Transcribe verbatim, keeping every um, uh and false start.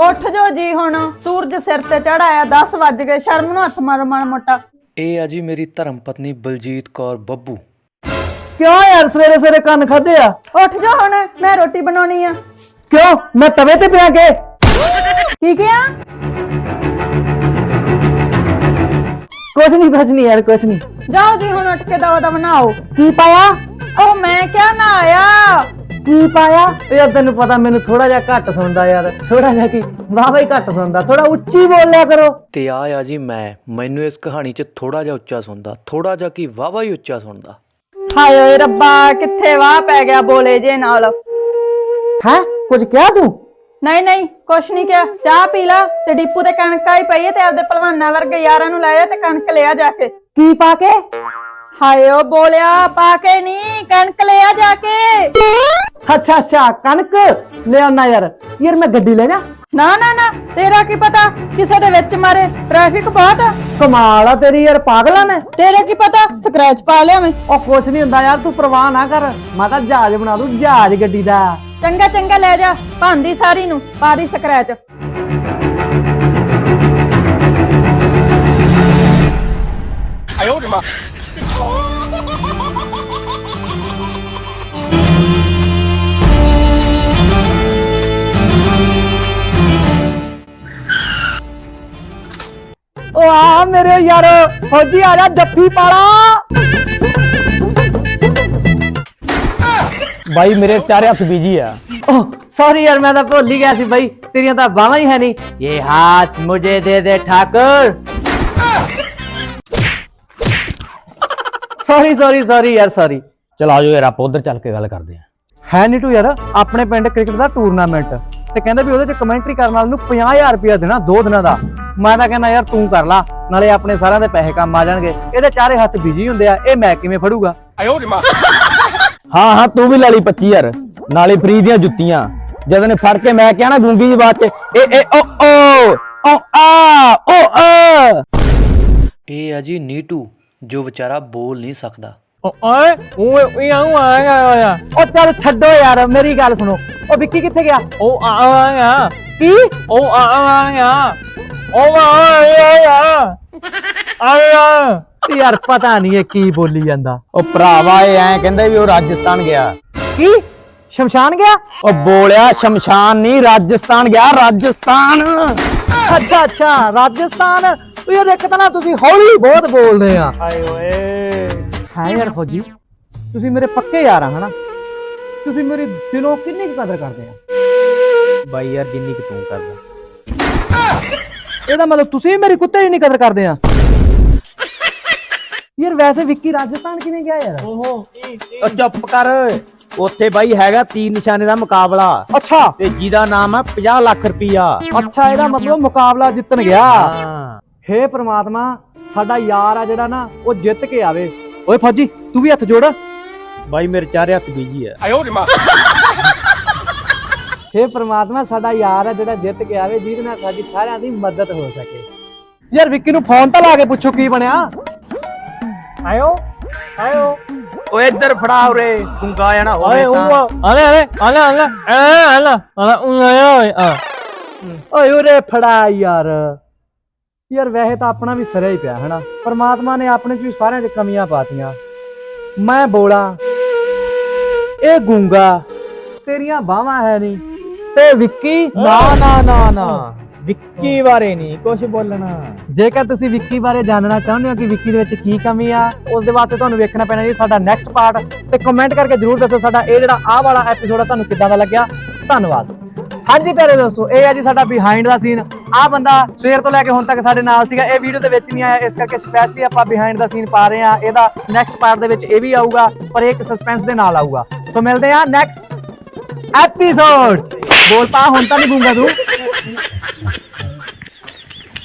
ਉੱਠ ਜੋ ਜੀ ਹੁਣ, ਸੂਰਜ ਸਿਰ ਤੇ ਚੜਾਇਆ, ਦਸ ਵੱਜ ਗਏ, ਸ਼ਰਮ ਨੂੰ ਹੱਥ ਮਾਰੋ ਮਾੜਾ ਮੋਟਾ। ਇਹ ਆ ਜੀ ਮੇਰੀ ਧਰਮ ਪਤਨੀ ਬਲਜੀਤ ਕੌਰ ਬੱਬੂ। ਕਿਉਂ ਯਾਰ ਸਵੇਰੇ ਸਵੇਰੇ ਕੰਨ ਖਾਦੇ ਆ? ਉੱਠ ਜੋ ਹੁਣ, ਮੈਂ ਰੋਟੀ ਬਣਾਉਣੀ ਆ। ਕਿਉਂ ਮੈਂ ਤਵੇ ਤੇ ਪਿਆ ਕੇ? ਕੀ ਕਿਹਾ? ਕੁਛ ਨਹੀਂ ਕੁਛ ਨਹੀਂ ਯਾਰ ਕੁਛ ਨਹੀਂ। ਜਾਓ ਜੀ ਹੁਣ ਉੱਠ ਕੇ ਦਵਾ ਦਾ ਬਣਾਓ। ਕੀ ਪਾਇਆ? ਉਹ ਮੈਂ ਕਿਹਾ ਨਾ ਆਇਆ। ਕੀ ਪਾਇਆ? ਯਾਰ ਤੈਨੂੰ ਪਤਾ ਮੈਨੂੰ ਥੋੜਾ ਜਿਹਾ ਘੱਟ ਸੁਣਦਾ ਯਾਰ, ਥੋੜਾ ਜਿਹਾ ਕੀ ਵਾਹ ਹੀ ਘੱਟ ਸੁਣਦਾ, ਥੋੜਾ ਉੱਚੀ ਬੋਲਿਆ ਕਰੋ। ਤੇ ਆ ਆ ਜੀ ਮੈਂ, ਮੈਨੂੰ ਇਸ ਕਹਾਣੀ 'ਚ ਥੋੜਾ ਜਿਹਾ ਉੱਚਾ ਸੁਣਦਾ, ਥੋੜਾ ਜਿਹਾ ਕੀ ਵਾਵਾ ਹੀ ਉੱਚਾ ਸੁਣਦਾ। ਹਾਏ ਓਏ ਰੱਬਾ, ਕਿੱਥੇ ਵਾਹ ਪੈ ਗਿਆ ਬੋਲੇ ਜੇ ਨਾਲ। ਹੈ ਕੁਝ ਕਿਹਾ ਤੂੰ? ਨਹੀਂ ਨਹੀਂ ਕੁਛ ਨਹੀਂ ਕਿਹਾ। ਚਾਹ ਪੀ ਲਾ ਤੇ ਡੀਪੂ ਤੇ ਕਣਕ ਆਈ ਪਈ ਹੈ ਤੇ ਆਪਦੇ ਭਲਵਾਨਾਂ ਵਰਗੇ ਯਾਰਾਂ ਨੂੰ ਲੈ ਜਾ ਤੇ ਕਣਕ ਲਿਆ ਜਾ ਕੇ। ਕੀ ਪਾ ਕੇ? ਹਾਏ ਓ ਬੋਲਿਆ, ਪਾ ਕੇ ਨਹੀਂ, ਕਣਕ ਲਿਆ ਜਾ ਕੇ। ਅੱਛਾ ਅੱਛਾ ਕਣਕ ਲੈ ਆਉਣਾ ਯਾਰ। ਯਾਰ ਮੈਂ ਗੱਡੀ ਲੈ ਜਾ? ਨਾ ਨਾ ਨਾ, ਤੇਰਾ ਕੀ ਪਤਾ ਕਿਸੇ ਦੇ ਵਿੱਚ ਮਾਰੇ, ਟ੍ਰੈਫਿਕ ਬਹੁਤ ਆ। ਕਮਾਲ ਆ ਤੇਰੀ ਯਾਰ, ਪਾਗਲਾਂ ਨੇ। ਤੇਰੇ ਕੀ ਪਤਾ ਸਕ੍ਰੈਚ ਪਾ ਲਿਆ ਮੈਂ। ਉਹ ਕੁਛ ਨਹੀਂ ਹੁੰਦਾ ਯਾਰ, ਤੂੰ ਪਰਵਾਹ ਨਾ ਕਰ, ਮੈਂ ਤਾਂ ਜਹਾਜ਼ ਬਣਾ ਦੂੰ, ਜਹਾਜ਼ ਗੱਡੀ ਦਾ। ਚੰਗਾ ਚੰਗਾ ਲੈ ਜਾ, ਭਾਂਦੀ ਸਾਰੀ ਨੂੰ ਪਾ ਦੀ ਸਕ੍ਰੈਚ। ਉਹ ਆ ਮੇਰੇ ਯਾਰ, ਫੌਜੀ ਆ ਜਾ, ਜੱਫੀ ਪਾਲਾ। ਬਾਈ ਮੇਰੇ ਚਾਰੇ ਹੱਥ ਬੀਜੀ ਆ। ਓਹ ਸੌਰੀ ਯਾਰ, ਮੈਂ ਤਾਂ ਭੁੱਲ ਹੀ ਗਿਆ ਸੀ ਬਾਈ, ਤੇਰੀਆਂ ਤਾਂ ਬਾਹਾਂ ਹੀ ਹੈ ਨਹੀਂ। ਇਹ ਹੱਥ ਮੁਝੇ ਦੇ ਦੇ ਠਾਕੁਰ। ਸੌਰੀ ਸੌਰੀ ਸੌਰੀ ਯਾਰ, ਸੌਰੀ। ਚਲ ਆਜੋ ਯਾਰ, ਆਪਾਂ ਉਧਰ ਚੱਲ ਕੇ ਗੱਲ ਕਰਦੇ ਆ। ਹੈ ਨੀਟੂ ਯਾਰ, ਆਪਣੇ ਪਿੰਡ ਕ੍ਰਿਕਟ ਦਾ ਟੂਰਨਾਮੈਂਟ ਤੇ ਕਹਿੰਦੇ ਵੀ ਉਹਦੇ ਚ ਕਮੈਂਟਰੀ ਕਰਨ ਵਾਲੇ ਨੂੰ ਪੰਜਾਹ ਹਜ਼ਾਰ ਰੁਪਇਆ ਦੇਣਾ ਦੋ ਦਿਨਾਂ ਦਾ। ਮੈਂ ਤਾਂ ਕਹਿੰਦਾ ਯਾਰ ਤੂੰ ਕਰ ਲਾ, ਨਾਲੇ ਆਪਣੇ ਸਾਰਿਆਂ ਦੇ ਪੈਸੇ ਕੰਮ ਆ ਜਾਣਗੇ। ਇਹਦੇ ਚਾਰੇ ਹੱਥ ਬਿਜੀ ਹੁੰਦੇ ਆ, ਇਹ ਮੈਂ ਕਿਵੇਂ ਫੜੂਗਾ? ਹਾਂ ਹਾਂ ਤੂੰ ਵੀ ਲੈ ਲਈ ਪੱਚੀ ਹਜ਼ਾਰ, ਨਾਲੇ ਫਰੀ ਦੀਆਂ ਜੁੱਤੀਆਂ। ਜਦੋਂ ਨੇ ਫੜ ਕੇ ਮੈਂ ਕਿਹਾ ਨਾ ਗੂੰਗੀ ਜੀ ਬਾਤ ਚ, ਏ ਏ ਓ ਓ ਓ ਆ ਓ ਆ। ਇਹ ਆ ਜੀ ਨੀਟੂ, ਜੋ ਵਿਚਾਰਾ ਬੋਲ ਨਹੀਂ ਸਕਦਾ। ਓਏ ਓਏ ਆਉਂ ਆਇਆ। ਉਹ ਚੱਲ ਛੱਡੋ ਯਾਰ, ਮੇਰੀ ਗੱਲ ਸੁਣੋ। ਉਹ ਵਿੱਕੀ ਕਿੱਥੇ ਗਿਆ? ਉਹ ਆਇਆ ਕੀ? ਉਹ ਆਇਆ ਉਹ ਆਇਆ ਆਇਆ। ਯਾਰ ਪਤਾ ਨਹੀਂ ਇਹ ਕੀ ਬੋਲੀ ਜਾਂਦਾ। ਉਹ ਭਰਾਵਾ ਇਹ ਐ ਕਹਿੰਦੇ ਵੀ ਉਹ ਰਾਜਸਥਾਨ ਗਿਆ। ਕੀ ਸ਼ਮਸ਼ਾਨ ਗਿਆ? ਉਹ ਬੋਲਿਆ ਸ਼ਮਸ਼ਾਨ ਨਹੀਂ, ਰਾਜਸਥਾਨ ਗਿਆ, ਰਾਜਸਥਾਨ। ਅੱਛਾ ਅੱਛਾ ਰਾਜਸਥਾਨ। ਉਹ ਯਾਰ ਇੱਕ ਤਾਂ ਨਾ ਤੁਸੀਂ ਹੌਲੀ ਬਹੁਤ ਬੋਲਦੇ ਆ। ਹਾਏ ਓਏ ਹੈ ਯਾਰ ਫੌਜੀ, ਤੁਸੀਂ ਮੇਰੇ ਪੱਕੇ ਯਾਰ ਆ ਹਨਾ? ਤੁਸੀਂ ਮੇਰੀ ਦਿਲੋਂ ਕਿੰਨੀ ਕੁ ਕਦਰ ਕਰਦੇ ਆ? ਬਾਈ ਯਾਰ ਜਿੰਨੀ ਕਿ ਤੂੰ ਕਰਦਾ। ਇਹਦਾ ਮਤਲਬ ਤੁਸੀਂ ਮੇਰੀ ਕੁੱਤੇ ਹੀ ਨਹੀਂ ਕਦਰ ਕਰਦੇ ਆ। ਯਾਰ ਵੈਸੇ ਵਿੱਕੀ ਰਾਜਸਥਾਨ ਕਿਵੇਂ ਗਿਆ ਯਾਰ? ਉਹ ਚੁੱਪ ਕਰ, ਉੱਥੇ ਬਾਈ ਹੈਗਾ ਤੀਰ ਨਿਸ਼ਾਨੇ ਦਾ ਮੁਕਾਬਲਾ। ਅੱਛਾ ਤੇ ਜਿਹਦਾ ਨਾਮ ਹੈ ਪੰਜਾਹ ਲੱਖ ਰੁਪਈਆ। ਅੱਛਾ, ਇਹਦਾ ਮਤਲਬ ਮੁਕਾਬਲਾ ਜਿੱਤਣ ਗਿਆ। ਹਾਂ। ਹੇ ਪ੍ਰਮਾਤਮਾ, ਸਾਡਾ ਯਾਰ ਆ ਜਿਹੜਾ ਨਾ ਉਹ ਜਿੱਤ ਕੇ ਆਵੇ। ਓਏ ਫੌਜੀ ਤੂੰ ਵੀ ਹੱਥ ਜੋੜ। ਬਾਈ ਮੇਰੇ ਚਾਰੇ ਹੱਥ ਬੀਜੀ ਆ। ਹੇ ਪ੍ਰਮਾਤਮਾ, ਸਾਡਾ ਯਾਰ ਆ ਜਿਹੜਾ ਜਿੱਤ ਕੇ ਆਵੇ, ਜਿਹਦੇ ਨਾਲ ਸਾਡੀ ਸਾਰਿਆਂ ਦੀ ਮਦਦ ਹੋ ਸਕੇ। ਯਾਰ ਵਿੱਕੀ ਨੂੰ ਫੋਨ ਤਾਂ ਲਾ ਕੇ ਪੁੱਛੋ ਕੀ ਬਣਿਆ। ਆਇਓ ਆਇਓ ਓਏ ਇੱਧਰ ਫੜਾ ਉਰੇ, ਗੁੰਗਾ ਜਾਣਾ ਓਏ ਹੋਵੇ ਉਹ ਤਾਂ। ਆਲੇ ਆਲੇ ਆਲੇ ਆਲੇ ਆਲੇ ਆਲੇ ਓਏ ਓਏ ਉਰੇ ਫੜਾ ਯਾਰ। ਯਾਰ ਵੈਸੇ ਤਾਂ ਆਪਣਾ ਵੀ ਸਿਰੇ ਹੀ ਪਿਆ ਹਨਾ। ਪਰਮਾਤਮਾ ਨੇ ਆਪਣੇ ਚ ਵੀ ਸਾਰਿਆਂ 'ਚ ਕਮੀਆਂ ਪਾਤੀਆਂ। ਮੈਂ ਬੋਲਾਂ, ਇਹ ਗੂੰਗਾ, ਤੇਰੀਆਂ ਬਾਹਾਂ ਹੈ ਨਹੀਂ, ਤੇ ਵਿੱਕੀ ਨਾ ਨਾ ਨਾ ਨਾ ਵਿੱਕੀ ਬਾਰੇ ਨਹੀਂ ਕੁਝ ਬੋਲਣਾ। ਜੇਕਰ ਤੁਸੀਂ ਵਿੱਕੀ ਬਾਰੇ ਜਾਣਨਾ ਚਾਹੁੰਦੇ ਹੋ ਕਿ ਵਿੱਕੀ ਦੇ ਵਿੱਚ ਕੀ ਕਮੀ ਆ, ਉਸ ਦੇ ਵਾਸਤੇ ਤੁਹਾਨੂੰ ਵੇਖਣਾ ਪੈਣਾ ਜੀ ਸਾਡਾ ਨੈਕਸਟ ਪਾਰਟ। ਤੇ ਕਮੈਂਟ ਕਰਕੇ ਜਰੂਰ ਦੱਸੋ ਸਾਡਾ ਇਹ ਜਿਹੜਾ ਆਹ ਵਾਲਾ ਐਪੀਸੋਡ ਆ ਤੁਹਾਨੂੰ ਕਿੱਦਾਂ ਦਾ ਲੱਗਿਆ। ਧੰਨਵਾਦ। ਹਾਂਜੀ ਪਿਆਰੇ ਦੋਸਤੋ, ਇਹ ਆ ਜੀ ਸਾਡਾ ਬਿਹਾਈਂਡ ਦਾ ਸੀਨ। ਆਹ ਬੰਦਾ ਸਵੇਰ ਤੋਂ ਲੈ ਕੇ ਹੁਣ ਤੱਕ ਸਾਡੇ ਨਾਲ ਸੀਗਾ, ਇਹ ਵੀਡੀਓ ਦੇ ਵਿੱਚ ਨਹੀਂ ਆਇਆ, ਇਸ ਕਰਕੇ ਸਪੈਸ਼ਲੀ ਆਪਾਂ ਬਿਹਾਈਂਡ ਦਾ ਸੀਨ ਪਾ ਰਹੇ ਆ। ਇਹਦਾ ਨੈਕਸਟ ਪਾਰਟ ਦੇ ਵਿੱਚ ਇਹ ਵੀ ਆਊਗਾ, ਪਰ ਇੱਕ ਸਸਪੈਂਸ ਦੇ ਨਾਲ ਆਊਗਾ। ਸੋ ਮਿਲਦੇ ਆ ਨੈਕਸਟ ਐਪੀਸੋਡ। ਬੋਲ ਪਾ, ਹੁਣ ਤਾਂ ਨਹੀਂ ਗੂੰਗਾ ਤੂੰ।